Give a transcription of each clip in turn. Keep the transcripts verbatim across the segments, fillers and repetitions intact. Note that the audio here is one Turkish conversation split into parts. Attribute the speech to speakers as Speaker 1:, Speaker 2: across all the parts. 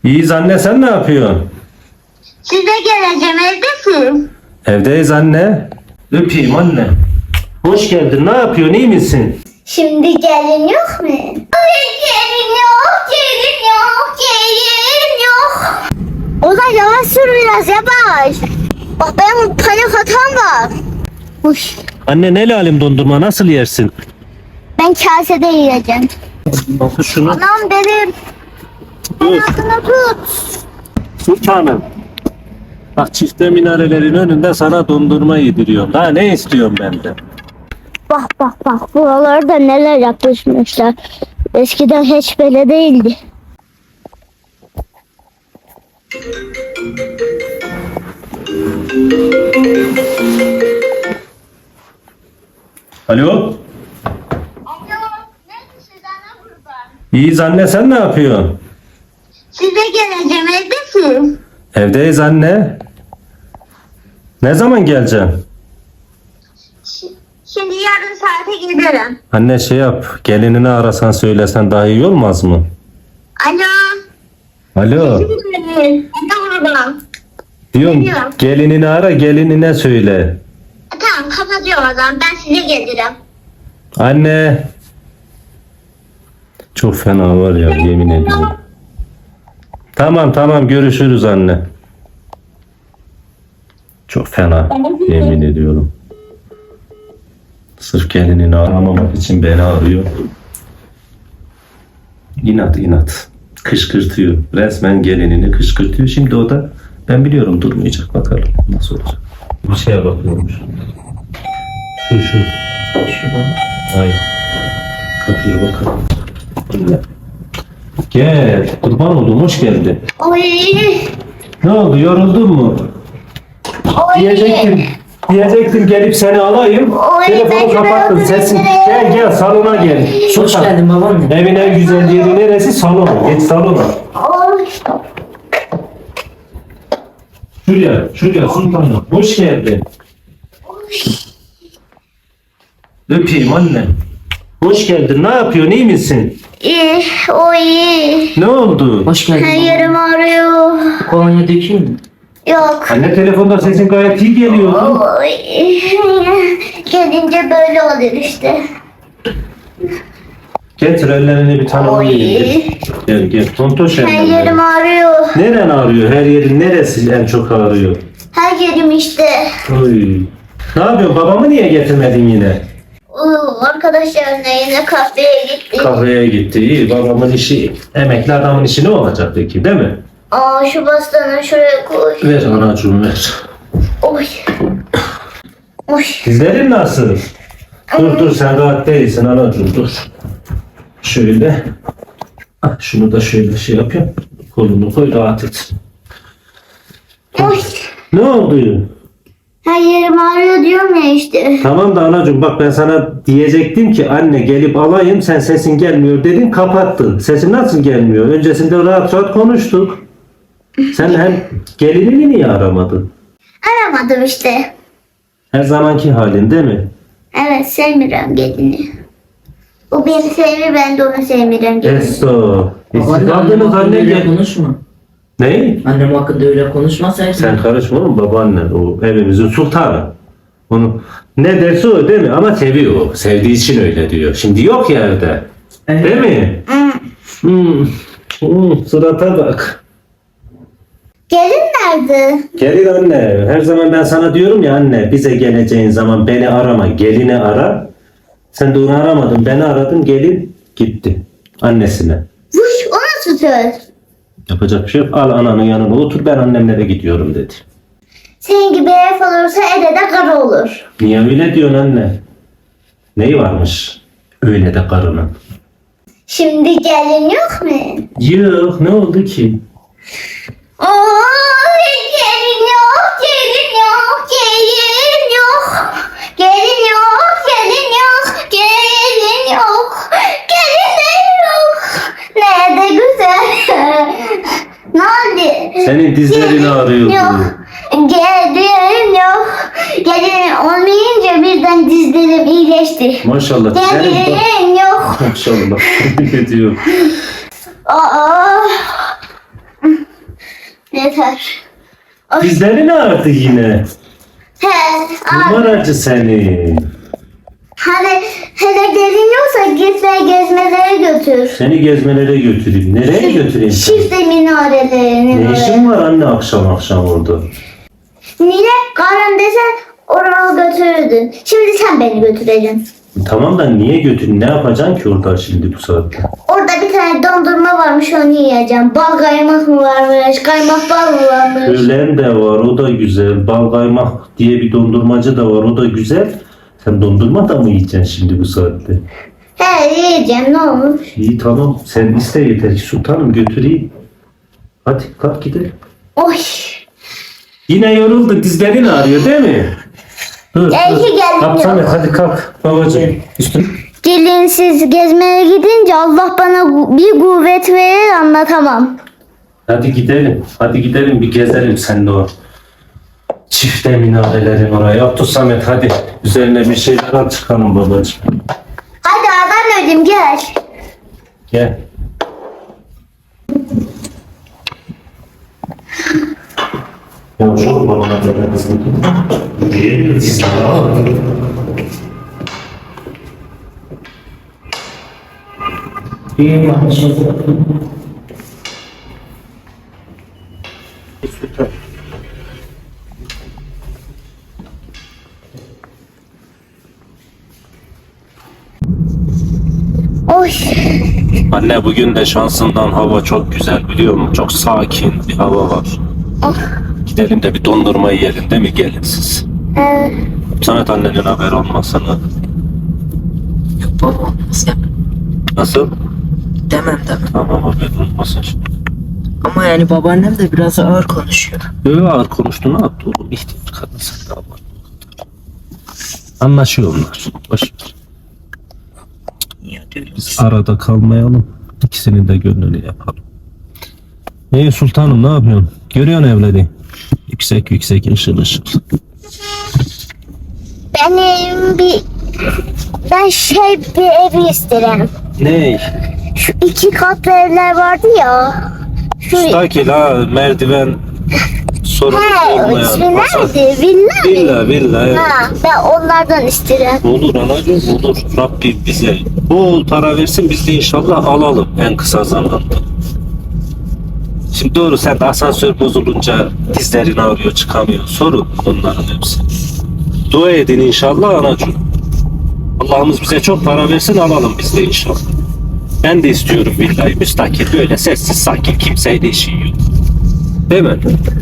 Speaker 1: İyiyiz anne, sen ne yapıyorsun?
Speaker 2: Size geleceğim, evdesin.
Speaker 1: Evdeyiz anne. Öpeyim anne. Hoş geldin, ne yapıyorsun, iyi misin?
Speaker 2: Şimdi gelin yok mu? Ay gelin yok, gelin yok, gelin yok. Ozan yavaş sür biraz, yavaş. Bak benim panik hatam var. Uş.
Speaker 1: Anne ne lalim dondurma, nasıl yersin?
Speaker 2: Ben kasede yiyeceğim.
Speaker 1: Nasıl şunu?
Speaker 2: Anam benim.
Speaker 1: Dur.
Speaker 2: Altına tut.
Speaker 1: Sultanım. Bak çifte minarelerin önünde sana dondurma yediriyorum. Daha ne istiyorsun benden?
Speaker 2: Bak bak bak, buralarda neler yapmışlar. Eskiden hiç böyle değildi.
Speaker 1: Alo?
Speaker 2: Alo, neredesin ana kurban?
Speaker 1: İyiyiz anne, sen ne yapıyorsun?
Speaker 2: Size geleceğim, evdesin.
Speaker 1: Evdeyiz anne. Ne zaman geleceksin?
Speaker 2: Şimdi yarın saate giderim.
Speaker 1: Anne şey yap, gelinini arasan söylesen daha iyi olmaz mı?
Speaker 2: Alo.
Speaker 1: Alo.
Speaker 2: Ana kurban.
Speaker 1: Diyorum
Speaker 2: Geliyorum.
Speaker 1: gelinini ara, gelinine söyle.
Speaker 2: Tamam, kapatıyorum o zaman, ben size gelirim.
Speaker 1: Anne. Çok fena var ya, yemin ediyorum. Tamam tamam, görüşürüz anne. Çok fena, yemin ediyorum. Sırf gelinini aramamak için beni arıyor. İnat inat. Kışkırtıyor. Resmen gelinini kışkırtıyor. Şimdi o da ben biliyorum durmayacak, bakalım nasıl olacak. Bir şeye bakıyormuş. Şu şu. Şu bana. Hayır. Kapıya bakalım. Gel. Kurban oldum, hoş geldin.
Speaker 2: Oy.
Speaker 1: Ne oldu, yoruldun mu?
Speaker 2: Oy.
Speaker 1: Diyecektim. Diyecektim gelip seni alayım.
Speaker 2: Oy,
Speaker 1: Telefonu
Speaker 2: ben
Speaker 1: kapattın.
Speaker 2: şuraya
Speaker 1: Sesin.
Speaker 2: oturayım.
Speaker 1: Gel gel salona gel.
Speaker 3: Hoş
Speaker 1: Sultan.
Speaker 3: geldin babaanne.
Speaker 1: Evin en güzel yeri neresi? Salon. Geç salona.
Speaker 2: Oy.
Speaker 1: Şuraya, şuraya sultanım. Hoş geldin. Öpeyim anne. Hoş geldin. Ne yapıyorsun? İyi misin?
Speaker 2: İyi, oy.
Speaker 1: Ne oldu?
Speaker 3: Hoş geldin
Speaker 2: Her
Speaker 3: babaanne.
Speaker 2: yerim ağrıyor.
Speaker 3: Kolonya dökeyim mi?
Speaker 2: Yok.
Speaker 1: Anne telefonda sesin gayet iyi geliyordu.
Speaker 2: Oy. Gelince böyle olur işte.
Speaker 1: Getir ellerini bir tane
Speaker 2: Oy.
Speaker 1: alayım. Gel gel. Tontoş
Speaker 2: Her
Speaker 1: ellerini.
Speaker 2: yerim ağrıyor.
Speaker 1: Neren ağrıyor? Her yerin neresi en çok ağrıyor?
Speaker 2: Her yerim işte.
Speaker 1: Oy. Ne yapıyorsun? Babamı niye getirmedin yine?
Speaker 2: Oo, arkadaşlarına yine kafeye gittik.
Speaker 1: Kahveye gitti. İyi. Babamın işi, emekli adamın işi ne olacak peki, değil mi?
Speaker 2: Aa, şu bastanı şuraya koy.
Speaker 1: Ver anacığım ver.
Speaker 2: Oy. Oy.
Speaker 1: Dizlerin nasıl? Dur dur, sen rahat değilsin anacığım, dur. Şöyle. Ah, şunu da şöyle şey yapayım. Kolunu koy, rahat et.
Speaker 2: Oy.
Speaker 1: Ne oldu?
Speaker 2: Her yerim ağrıyor diyorum ya işte.
Speaker 1: Tamam da anacığım bak, ben sana diyecektim ki anne gelip alayım, sen sesin gelmiyor dedin, kapattın. Sesin nasıl gelmiyor? Öncesinde rahat rahat konuştuk. Sen hem gelinini niye aramadın?
Speaker 2: Aramadım işte.
Speaker 1: Her zamanki halin değil mi?
Speaker 2: Evet, sevmiyorum gelini. O beni sevmiyor, ben de onu sevmiyorum gelini.
Speaker 1: Eso.
Speaker 3: Babaanne annem
Speaker 1: Kaldınız
Speaker 3: hakkında
Speaker 1: anne
Speaker 3: öyle
Speaker 1: gel.
Speaker 3: konuşma.
Speaker 1: Ne?
Speaker 3: Annem hakkında öyle konuşma sen.
Speaker 1: Sen karışma oğlum, babaannen o evimizin sultanı. Onu ne derse o değil mi? Ama seviyor o. Sevdiği için öyle diyor. Şimdi yok ya evde.
Speaker 3: Evet.
Speaker 1: Değil mi? Hmm. Hmm. Surata bak.
Speaker 2: Gelin nerede?
Speaker 1: Gelin anne. Her zaman ben sana diyorum ya anne, bize geleceğin zaman beni arama. Gelini ara. Sen de onu aramadın. Beni aradın. Gelin gitti. Annesine.
Speaker 2: Vuş, o nasıl söz?
Speaker 1: Yapacak bir şey yok. Al ananın yanına otur, ben annemlere gidiyorum dedi.
Speaker 2: Senin gibi herif olursa ede de kara olur.
Speaker 1: Niye öyle diyorsun anne? Neyi varmış? Öyle de karının.
Speaker 2: Şimdi gelin yok mu?
Speaker 1: Yok, ne oldu ki?
Speaker 2: Oy, gelin yok, gelin yok, gelin yok. Gelin yok, gelin yok, gelin yok. Gelin de yok. Ne de güzel. Ne oldu?
Speaker 1: Senin dizlerin ağrıyordu.
Speaker 2: Yok. Gelin yok. Gelin olmayınca birden dizlerim iyileşti.
Speaker 1: Maşallah. Senin bak.
Speaker 2: Gelin yok.
Speaker 1: Maşallah. Ne diyor?
Speaker 2: Aa. yeter. Ay,
Speaker 1: Dizlerin ağrıdı yine.
Speaker 2: he, abi.
Speaker 1: Numaracı seni.
Speaker 2: Hani hele gelin yoksa git ve gezmelere götür.
Speaker 1: Seni gezmelere götüreyim. Nereye götüreyim seni?
Speaker 2: Şifte minarelerinin
Speaker 1: Ne
Speaker 2: oraya.
Speaker 1: işin var anne akşam akşam orada?
Speaker 2: Niye? Karın desen oraya götürürdün. Şimdi sen beni götüreceksin.
Speaker 1: Tamam da niye götüreyim? Ne yapacaksın ki orada şimdi bu saatte?
Speaker 2: Orada bir tane dondurma varmış, onu yiyeceğim. Bal kaymak mı varmış, kaymak bal mı varmış?
Speaker 1: Öğlen de var, o da güzel. Bal kaymak diye bir dondurmacı da var, o da güzel. Sen dondurma da mı yiyeceksin şimdi bu saatte?
Speaker 2: He, yiyeceğim, ne olmuş?
Speaker 1: İyi tamam, sen iste yeter ki sultanım götüreyim. Hadi kalk gidelim.
Speaker 2: Oy.
Speaker 1: Yine yoruldu, dizlerin ağrıyor değil mi? Dur,
Speaker 2: İyi ki geldin
Speaker 1: Kalk
Speaker 2: ya.
Speaker 1: Samet, hadi kalk babacığım. Üstün.
Speaker 2: Gelinsiz gezmeye gidince Allah bana gu- bir kuvvet verir, anlatamam.
Speaker 1: Hadi gidelim, hadi gidelim bir gezelim seninle o. Çifte minarelerin oraya. Yaptı Samet hadi. Üzerine bir şeyler al çıkalım babacığım.
Speaker 2: Hadi adam ödüm gel.
Speaker 1: Gel. Ya şu babana da kızım. Diye dizleri al.
Speaker 3: İyi maşallah.
Speaker 2: Oy.
Speaker 1: Anne bugün de şansından hava çok güzel biliyor musun? Çok sakin bir hava var.
Speaker 2: Ah.
Speaker 1: Gidelim de bir dondurma yiyelim değil mi gelin siz?
Speaker 2: Ee,
Speaker 1: Samet annenin haber olmasını.
Speaker 3: Yok baba olmaz ya.
Speaker 1: Nasıl?
Speaker 3: Demem demem.
Speaker 1: Tamam haber olmasın şimdi.
Speaker 3: Ama yani babaannem de biraz ağır konuşuyor.
Speaker 1: Öyle ağır konuştuğunu attı oğlum. İhtiyar kadın sen de abartma. Anlaşıyorlar. Boş ver.
Speaker 3: Ya diyorum.
Speaker 1: Biz arada kalmayalım. İkisinin de gönlünü yapalım. İyi sultanım ne yapıyorsun? Görüyorsun evleri. Yüksek yüksek ışıl ışıl.
Speaker 2: benim bir... Ben şey bir ev isterim.
Speaker 1: Ne?
Speaker 2: Şu iki katlı evler vardı ya. Şu...
Speaker 1: Müstakil ha merdiven sorun
Speaker 2: He, o
Speaker 1: olmayan.
Speaker 2: ismi
Speaker 1: masa.
Speaker 2: nerede? Villa mı?
Speaker 1: Villa villa evet.
Speaker 2: Ha, ben onlardan isterim.
Speaker 1: Olur anacığım olur. Rabbim bize bol para versin biz de inşallah alalım en kısa zamanda. Şimdi doğru sen de asansör bozulunca dizlerin ağrıyor çıkamıyor. Sorun onların hepsi. Dua edin inşallah anacığım. Allah'ımız bize çok para versin alalım biz de inşallah. Ben de istiyorum villayı müstakil böyle sessiz sakin kimseyle işi yok. Değil mi?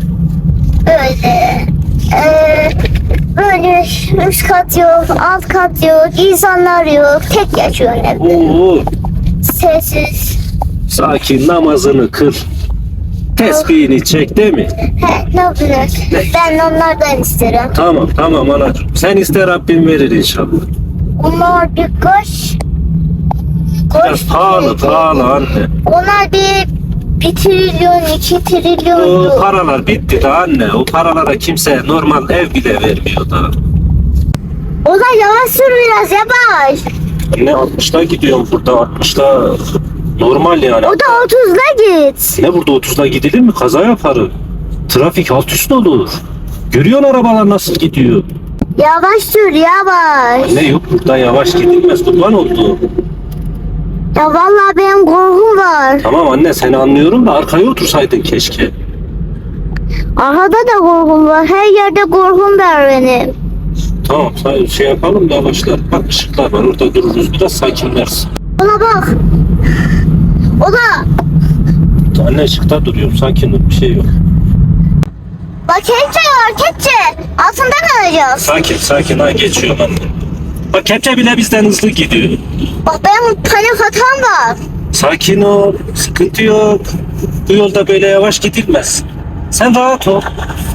Speaker 2: Öyle. Ee, böyle üst kat yok, alt kat yok, insanlar yok. Tek yaşıyorsun evde.
Speaker 1: Oo,
Speaker 2: Sessiz.
Speaker 1: sakin namazını kıl. Tesbihini çek değil mi?
Speaker 2: He, ne yapacağız? Ben onlardan isterim.
Speaker 1: Tamam tamam anacığım. Sen iste Rabbim verir inşallah.
Speaker 2: Onlar bir koş.
Speaker 1: Biraz
Speaker 2: Koş.
Speaker 1: pahalı pahalı anne.
Speaker 2: Onlar bir, bir trilyon, iki trilyon.
Speaker 1: O
Speaker 2: yok.
Speaker 1: paralar bitti de anne. O paralara kimse normal ev bile vermiyor da.
Speaker 2: O da yavaş sür biraz, yavaş.
Speaker 1: Ne altmışta gidiyorum burada altmışta normal yani.
Speaker 2: O da otuzla git.
Speaker 1: Ne burada otuzda gidilir mi? Kaza yaparım. Trafik alt üst olur. Görüyorsun arabalar nasıl gidiyor.
Speaker 2: Yavaş sür, yavaş.
Speaker 1: Ne yok burada yavaş gidilmez kurban oldu.
Speaker 2: Ya vallahi benim korkum var.
Speaker 1: Tamam anne seni anlıyorum da arkaya otursaydın keşke.
Speaker 2: Arkada da korkum var. Her yerde korkum var benim.
Speaker 1: Tamam say- şey yapalım yavaşlar. Bak ışıklar var orada dururuz biraz sakinlersin.
Speaker 2: Ona bak. O da.
Speaker 1: Anne ışıkta duruyorum sakin ol bir şey yok.
Speaker 2: Bak kepçe var, kepçe. Altında kalacağız.
Speaker 1: Sakin sakin ha geçiyorum anne. Bak kepçe bile bizden hızlı gidiyor.
Speaker 2: Bak benim panik hatam var.
Speaker 1: Sakin ol sıkıntı yok. Bu yolda böyle yavaş gidilmez. Sen rahat ol.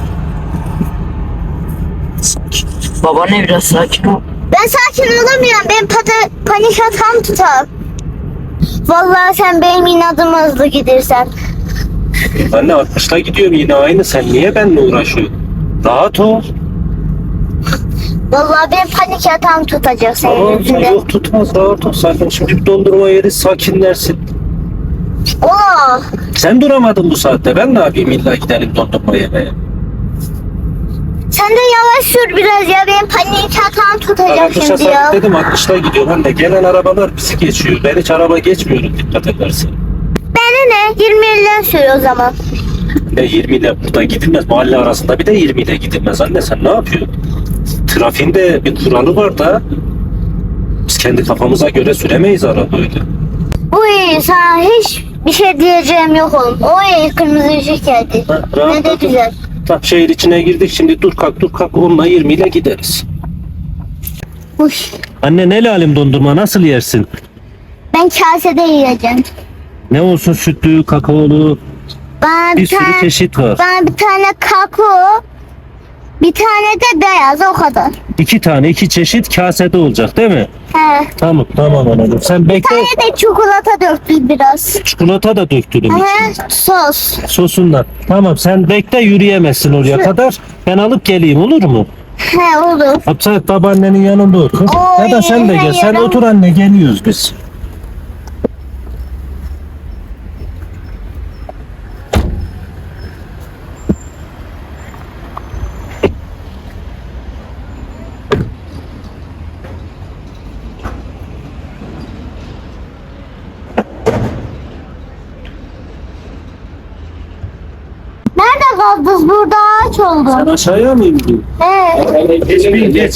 Speaker 1: Sakin.
Speaker 3: Babaanne biraz sakin ol.
Speaker 2: Ben sakin olamıyorum. Benim pata, panik hatam tutar. Vallahi sen benim inadıma hızlı gidersen.
Speaker 1: Anne altmışta gidiyorum yine aynı sen niye benimle uğraşıyorsun? Rahat ol.
Speaker 2: Vallahi benim panik hatam tutacak senin
Speaker 1: Tamam,
Speaker 2: yüzünden.
Speaker 1: yok tutmaz rahat ol sakin. Şimdi bir dondurma yeriz sakinlersin.
Speaker 2: Ola.
Speaker 1: Sen duramadın bu saatte. Ben ne yapayım, illa gidelim dondurma yemeye.
Speaker 2: Sen de yavaş sür biraz ya. Benim panik hatam tutacak
Speaker 1: Arkadaşa
Speaker 2: şimdi ya.
Speaker 1: sabit dedim, altmışta gidiyor. Ben de gelen arabalar bizi geçiyor. Ben hiç araba geçmiyorum, dikkat edersin.
Speaker 2: Bana ne? yirmi elden sür o zaman.
Speaker 1: Ya yirmi ile burada gidilmez. Mahalle arasında bir de yirmi ile gidilmez. Anne sen ne yapıyorsun? Trafiğinde bir kuralı var da biz kendi kafamıza göre süremeyiz araba öyle.
Speaker 2: Bu iyi. Sana hiç bir şey diyeceğim yok oğlum. O iyi. Kırmızı ışık geldi.
Speaker 1: Ha,
Speaker 2: Ne de
Speaker 1: rahatladın.
Speaker 2: güzel.
Speaker 1: Tam şehir içine girdik, şimdi dur kalk dur kalk, onunla yirmi ile gideriz.
Speaker 2: Uy.
Speaker 1: Anne ne lalim dondurma, nasıl yersin?
Speaker 2: Ben kasede yiyeceğim.
Speaker 1: Ne olsun, sütlü, kakaolu,
Speaker 2: Bana
Speaker 1: bir
Speaker 2: bir,
Speaker 1: sürü
Speaker 2: tane,
Speaker 1: çeşit var.
Speaker 2: bana bir tane kakao, bir tane de beyaz, o kadar.
Speaker 1: İki tane, iki çeşit kasede olacak değil mi?
Speaker 2: He.
Speaker 1: Tamam tamam anladım. Sen bekle.
Speaker 2: Bir tane de çikolata döktü biraz.
Speaker 1: Çikolata da döktürüm içine.
Speaker 2: He. Sos.
Speaker 1: Sosundan. Tamam sen bekle, yürüyemezsin oraya kadar. Ben alıp geleyim, olur mu?
Speaker 2: He olur.
Speaker 1: Hatta babaannenin yanında otur.
Speaker 2: Oy,
Speaker 1: Ya da sen de gel. Sen
Speaker 2: hayır.
Speaker 1: otur anne, geliyoruz biz.
Speaker 2: Nerede kaldınız? Burada ağaç
Speaker 1: Sen
Speaker 2: oldu.
Speaker 1: aşağıya mı indin?
Speaker 2: He.
Speaker 1: Geç bir geç.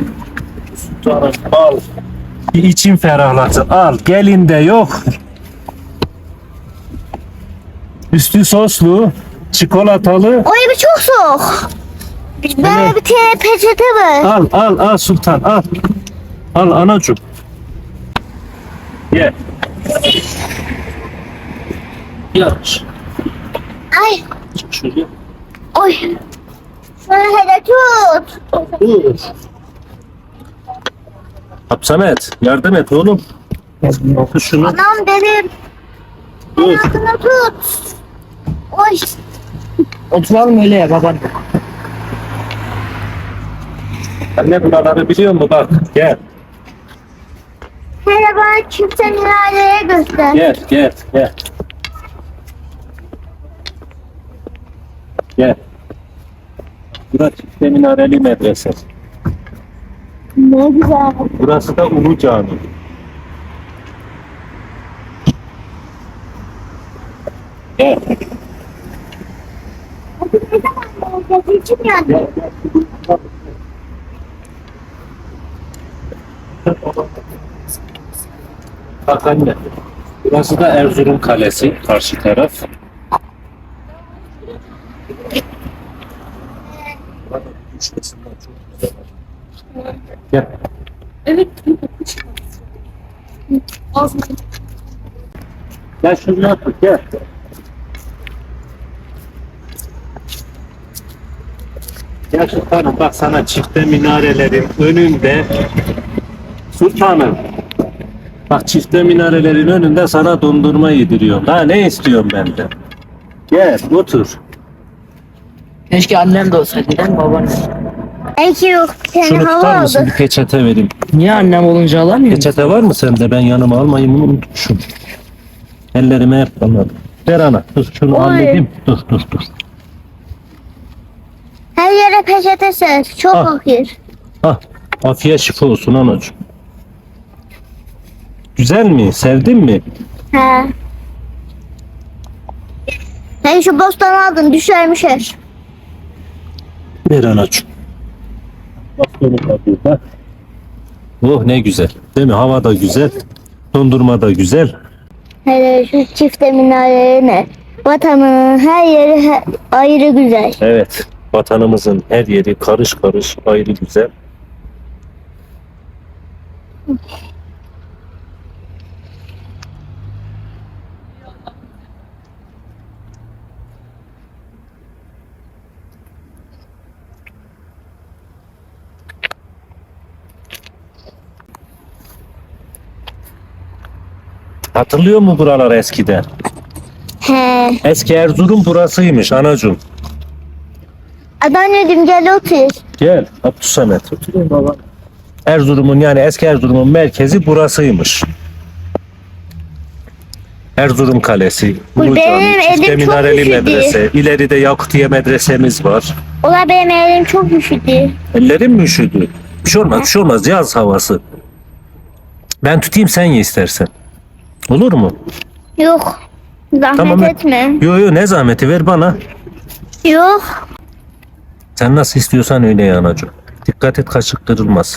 Speaker 1: Al. Bir için ferahlasın. Al. Gelinde yok. Üstü soslu, çikolatalı.
Speaker 2: Oy bir çok soğuk. Böyle bir tane peçete var.
Speaker 1: Al al al Sultan al. Al anacığım. Ye. Yavaş.
Speaker 2: Ay.
Speaker 1: Şuraya.
Speaker 2: Oy. Şunu hele tut.
Speaker 1: Dur. Samet yardım et oğlum. Tut şunu.
Speaker 2: Anam benim.
Speaker 1: Dur.
Speaker 2: Ayakını tut. Oy.
Speaker 3: Oturalım öyle ya babaanne.
Speaker 1: Anne buraları biliyor musun? Bak gel.
Speaker 2: Hele bana çifte minareye göster.
Speaker 1: Gel gel gel. Gel. Burası çifte minareli medrese.
Speaker 2: Ne güzel.
Speaker 1: Burası da Ulu Cami. Gel.
Speaker 2: Ne zaman olacak? İçim yandı.
Speaker 1: Gel. Gel. Bak anne. Burası da Erzurum Kalesi. Karşı taraf. Gel.
Speaker 3: Evet.
Speaker 1: Gel şunu yaptık gel. Gel sultanım, bak sana çifte minarelerin önünde. Sultanım. Bak çifte minarelerin önünde sana dondurma yediriyorum. Daha ne istiyorum benden? Gel otur.
Speaker 3: Keşke annem de olsaydı değil mi babaanne?
Speaker 2: Belki yok. Seni
Speaker 1: Şunu
Speaker 2: hava
Speaker 1: tutar mısın?
Speaker 2: aldı.
Speaker 1: Bir peçete vereyim.
Speaker 3: Niye annem olunca alamıyor?
Speaker 1: Peçete var mı sende? Ben yanıma almayayım, bunu unutmuşum. Ellerime hep anladım. Ver ana. Dur şunu
Speaker 2: Oy.
Speaker 1: halledeyim. Dur dur dur.
Speaker 2: Her yere peçete ser. Çok
Speaker 1: Ah.
Speaker 2: fakir.
Speaker 1: Ah, afiyet şifa olsun anacığım. Güzel mi? Sevdin mi?
Speaker 2: He. Ben şu bostanı aldım. Düşermiş her.
Speaker 1: Ver anacığım. Bak benim kapıyı bak. Oh ne güzel. Değil mi? Hava da güzel. Dondurma da güzel.
Speaker 2: Hele şu çifte minarelerine. Vatanın her yeri he- ayrı güzel.
Speaker 1: Evet. Vatanımızın her yeri karış karış ayrı güzel. Hatırlıyor mu buralar eskiden?
Speaker 2: He.
Speaker 1: Eski Erzurum burasıymış anacığım.
Speaker 2: Anneanneciğim gel otur.
Speaker 1: Gel Abdüsamet. Oturayım baba. Erzurum'un yani eski Erzurum'un merkezi burasıymış. Erzurum Kalesi,
Speaker 2: Bu
Speaker 1: Ulu
Speaker 2: benim
Speaker 1: Cami,
Speaker 2: elim
Speaker 1: Çifte
Speaker 2: çok
Speaker 1: Minareli
Speaker 2: üşüdü.
Speaker 1: Medrese, ileride Yakutiye Medresemiz var.
Speaker 2: Ola benim elim çok üşüdü.
Speaker 1: Ellerim mi üşüdü? Bir şey olmaz, bir şey olmaz. Yaz havası. Ben tutayım, sen ye istersen. Olur mu?
Speaker 2: Yok. Zahmet
Speaker 1: Tamam.
Speaker 2: etme.
Speaker 1: Yo yo, ne zahmeti, ver bana.
Speaker 2: Yok.
Speaker 1: Sen nasıl istiyorsan öyle ye anacığım. Dikkat et, kaşık kırılmaz.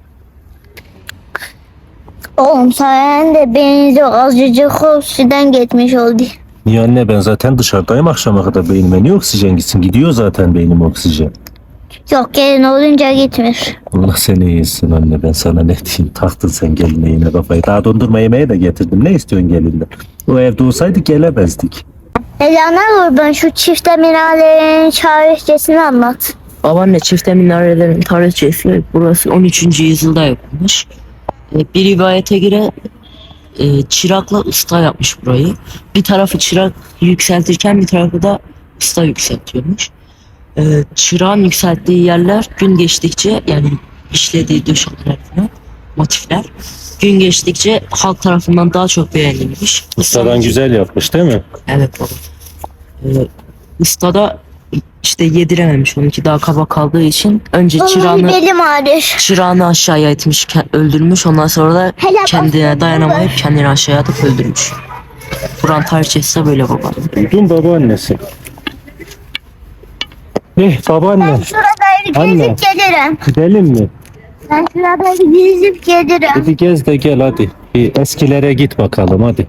Speaker 2: Oğlum sayende benzi azıcık oksiden gitmiş oldu.
Speaker 1: Niye anne, ben zaten dışarıdayım akşama kadar, beynime niye oksijen gitsin? Gidiyor zaten beynim oksijen.
Speaker 2: Yok gelin olunca gitmiş.
Speaker 1: Allah seni iyisin anne, ben sana ne diyeyim, taktın sen geline yine kafayı. Daha dondurma yemeği de getirdim, ne istiyorsun gelinden? O evde olsaydı gelemezdik.
Speaker 2: Elana ben şu çifte minarelerin tarihçesini anlat.
Speaker 3: Babaanne çifte minarelerin tarihçesi burası on üçüncü yüzyılda yapılmış. E, Bir rivayete göre e, çırakla usta yapmış burayı. Bir tarafı çırak yükseltirken bir tarafı da usta yükseltiyormuş. E, çırağın yükselttiği yerler gün geçtikçe yani işlediği döşemeler falan, motifler gün geçtikçe halk tarafından daha çok beğenilmiş.
Speaker 1: Ustadan güzel yapmış değil mi?
Speaker 3: Evet baba. Ee, usta da işte yedirememiş, onunki daha kaba kaldığı için önce
Speaker 2: Oğlum
Speaker 3: çırağını
Speaker 2: belim ağrır.
Speaker 3: çırağını aşağıya itmiş, ke- öldürmüş, ondan sonra da
Speaker 2: Hele
Speaker 3: kendine
Speaker 2: bak-
Speaker 3: dayanamayıp kendini aşağıya atıp öldürmüş. Buran tarihçesi de böyle baba.
Speaker 1: Duydun babaannesi. Eh babaanne,
Speaker 2: Ben şurada bir
Speaker 1: Anne.
Speaker 2: gezip gelirim.
Speaker 1: gidelim mi?
Speaker 2: Ben şurada bir gezip gelirim.
Speaker 1: Hadi gez de gel hadi. Bir eskilere git bakalım hadi.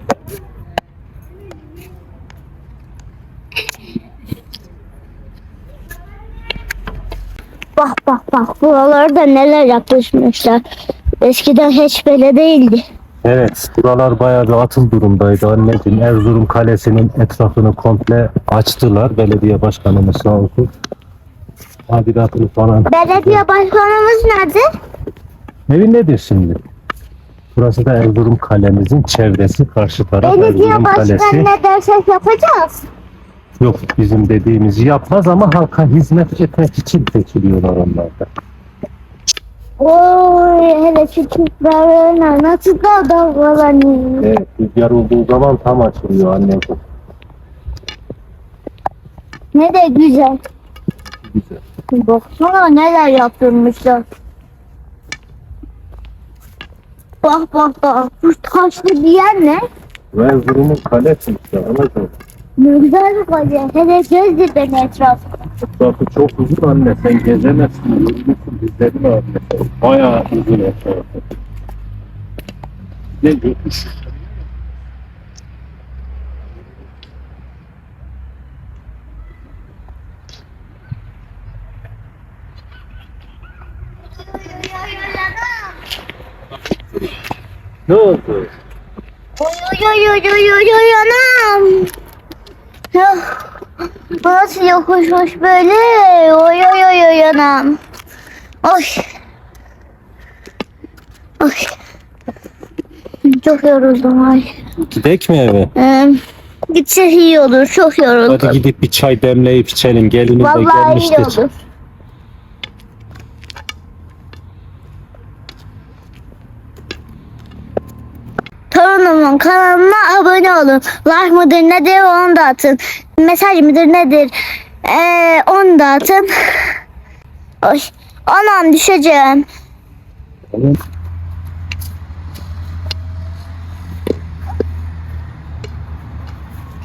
Speaker 2: Bak bak bak buralarda neler yapmışlar. Eskiden hiç böyle değildi.
Speaker 1: Evet, buralar bayağı bir atıl durumdaydı anneciğim. Erzurum Kalesi'nin etrafını komple açtılar. Belediye başkanımız sağ olsun. Tadilatını falan.
Speaker 2: Belediye başkanımız nerede?
Speaker 1: Evin nedir şimdi? Burası da Erzurum Kalemizin çevresi. Karşı taraf
Speaker 2: Belediye
Speaker 1: Erzurum
Speaker 2: başkanı
Speaker 1: Kalesi.
Speaker 2: ne dersek yapacağız.
Speaker 1: Yok, bizim dediğimizi yapmaz ama halka hizmet etmek için seçiliyorlar onlar da.
Speaker 2: Oy hele şu çocuklar nasıl da dalgalanıyor.
Speaker 1: Evet, rüzgar olduğu zaman tam açılıyor anneciğim.
Speaker 2: Ne de güzel.
Speaker 1: Güzel.
Speaker 2: Baksana neler yaptırmışlar. Bak bak bak. Şu taşlı bir yer ne?
Speaker 1: Ve Erzurum'un kalesi işte anacığım.
Speaker 2: Ne güzel bir kale. Hele gezdir beni etrafına.
Speaker 1: Etrafı çok uzun anne, sen gezemezsin. Uzunsun bizlerin anne. Bayağı uzun etrafı. Ne diyorsun? Ne oldu?
Speaker 2: Oy oy oy oy oy oy anam. Ya, bu nasıl yokuşmuş böyle? Oy oy oy oy anam. Oy. Oy. Çok yoruldum ay.
Speaker 1: Gidek mi eve?
Speaker 2: Ee, gitsek iyi olur. Çok yoruldum.
Speaker 1: Hadi gidip bir çay demleyip içelim. Gelinin de
Speaker 2: Vallahi iyi
Speaker 1: gelmiştir.
Speaker 2: olur. Torunumun kanalına abone olun. Like mıdır nedir onu da atın. Mesaj mıdır nedir ee, onu da atın. Oy. Anam düşeceğim.
Speaker 1: Tamam.